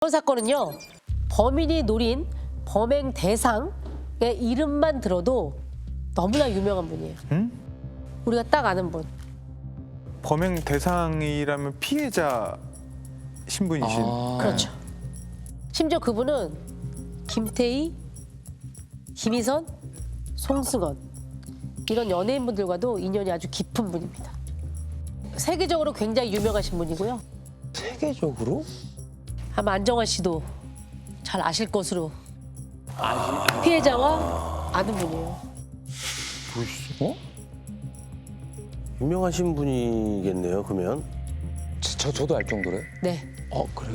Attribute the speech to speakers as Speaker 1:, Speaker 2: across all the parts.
Speaker 1: 이번 사건은요, 범인이 노린 범행 대상의 이름만 들어도 너무나 유명한 분이에요.
Speaker 2: 응?
Speaker 1: 우리가 딱 아는 분.
Speaker 2: 범행 대상이라면 피해자 신분이신.
Speaker 1: 그렇죠. 심지어 그분은 김태희, 김희선, 송승헌 이런 연예인분들과도 인연이 아주 깊은 분입니다. 세계적으로 굉장히 유명하신 분이고요.
Speaker 3: 세계적으로?
Speaker 1: 아마 안정환 씨도 잘 아실 것으로 피해자와 아는 분이에요.
Speaker 3: 어?
Speaker 4: 유명하신 분이겠네요, 그러면.
Speaker 3: 저도 알 정도래?
Speaker 1: 네.
Speaker 3: 그래요?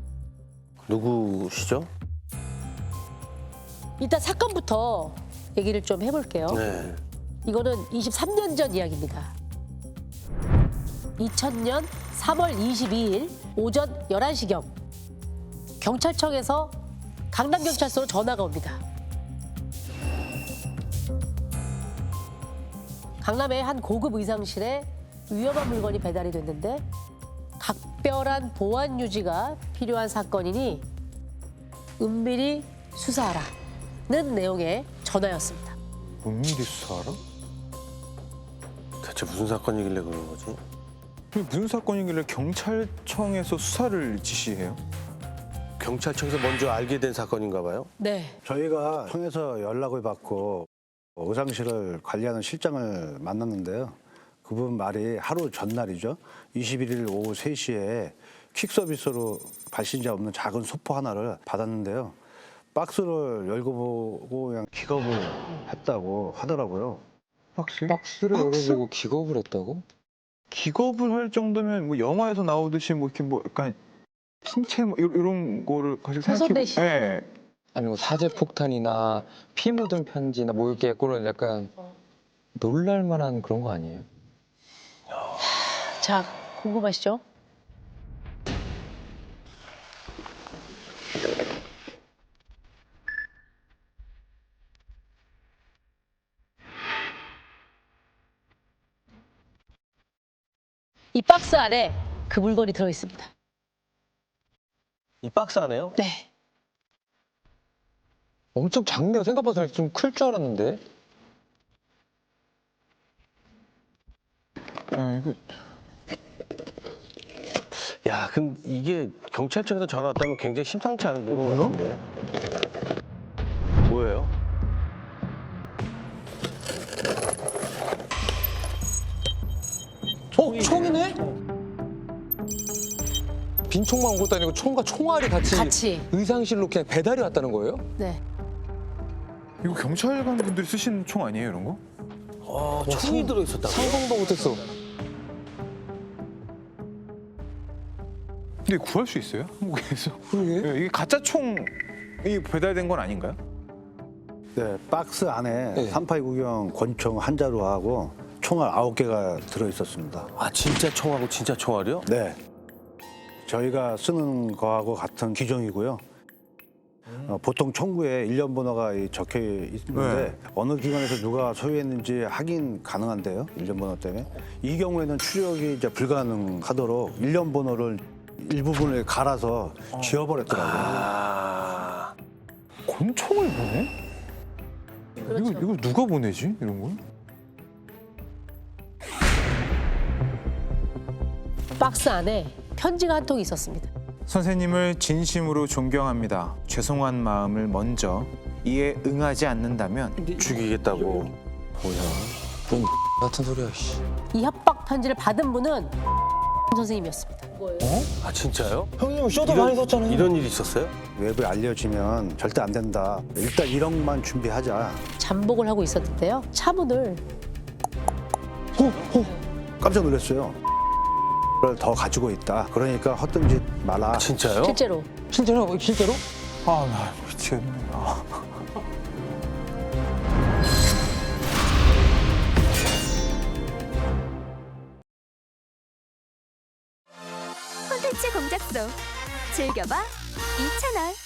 Speaker 4: 누구시죠?
Speaker 1: 일단 사건부터 얘기를 좀 해볼게요.
Speaker 4: 네.
Speaker 1: 이거는 23년 전 이야기입니다. 2000년 3월 22일 오전 11시경 경찰청에서 강남경찰서로 전화가 옵니다. 강남의 한 고급 의상실에 위험한 물건이 배달이 됐는데 각별한 보안 유지가 필요한 사건이니 은밀히 수사하라는 내용의 전화였습니다.
Speaker 2: 은밀히 수사하라?
Speaker 4: 대체 무슨 사건이길래 그런 거지?
Speaker 2: 이게 무슨 사건이길래 경찰청에서 수사를 지시해요?
Speaker 4: 경찰청에서 먼저 알게 된 사건인가 봐요?
Speaker 1: 네.
Speaker 5: 저희가 청에서 연락을 받고 의상실을 관리하는 실장을 만났는데요. 그분 말이 하루 전날이죠. 21일 오후 3시에 퀵 서비스로 발신자 없는 작은 소포 하나를 받았는데요. 박스를 열고 보고 그냥 기겁을 했다고 하더라고요.
Speaker 3: 박스를 열어보고 기겁을 했다고?
Speaker 2: 기겁을 할 정도면 뭐 영화에서 나오듯이 뭐 이렇게 뭐 약간 신체 뭐 이런 거를 가지고
Speaker 1: 훼손된 시-
Speaker 2: 네.
Speaker 3: 아니 뭐 사제 폭탄이나 피 묻은 편지나 뭐 이렇게 그런 약간 놀랄만한 그런 거 아니에요?
Speaker 1: 자, 궁금하시죠? 이 박스 안에 그 물건이 들어 있습니다.
Speaker 4: 이 박스 안에요?
Speaker 1: 네.
Speaker 3: 엄청 작네요. 생각보다 좀 클 줄 알았는데.
Speaker 2: 이거
Speaker 4: 야, 그럼 이게 경찰청에서 전화 왔다면 굉장히 심상치 않은데. 뭐요? 뭐예요?
Speaker 3: 총이네? 빈 총만 온 것도 아니고 총과 총알이
Speaker 1: 같이.
Speaker 3: 의상실로 그냥 배달이 왔다는 거예요?
Speaker 1: 네.
Speaker 2: 이거 경찰관 분들이 쓰시는 총 아니에요, 이런 거?
Speaker 4: 총이 들어있었다고요?
Speaker 3: 상상도 못했어.
Speaker 2: 근데 구할 수 있어요? 한국에서?
Speaker 3: 그러게.
Speaker 2: 네, 이게 가짜 총이 배달된 건 아닌가요?
Speaker 5: 네, 박스 안에
Speaker 3: 네.
Speaker 5: 382구경 권총 한 자루하고 총알 9개가 들어있었습니다.
Speaker 4: 아, 진짜 총하고 진짜 총알이요?
Speaker 5: 네. 저희가 쓰는 거하고 같은 기종이고요. 보통 총구에 일련 번호가 적혀 있는데 어느 기관에서 누가 소유했는지 확인 가능한데요. 일련 번호 때문에. 이 경우에는 추적이 이제 불가능하도록 일련 번호를 일부분을 갈아서 지워버렸더라고요.
Speaker 4: 아,
Speaker 2: 권총을 보내? 이거 누가 보내지? 이런 걸?
Speaker 1: 박스 안에 편지가 한 통이 있었습니다.
Speaker 2: 선생님을 진심으로 존경합니다. 죄송한 마음을 먼저 이에 응하지 않는다면
Speaker 4: 죽이겠다고. 뭐야?
Speaker 3: 뭔 같은 소리야, 씨.
Speaker 1: 이 협박 편지를 받은 분은 선생님이었습니다.
Speaker 4: 아, 진짜요?
Speaker 3: 형님 쇼도 많이 썼잖아요.
Speaker 4: 이런 일이 있었어요?
Speaker 5: 외부에 알려지면 절대 안 된다. 일단 1억만 준비하자.
Speaker 1: 잠복을 하고 있었는데요. 차문을
Speaker 5: 깜짝 놀랐어요. 를 더 가지고 있다. 그러니까 헛된 짓 마라.
Speaker 4: 진짜요?
Speaker 1: 실제로
Speaker 3: 실제로? 실제로?
Speaker 2: 아, 나 미치겠네.
Speaker 6: 콘텐츠 공작소 즐겨봐 이채널.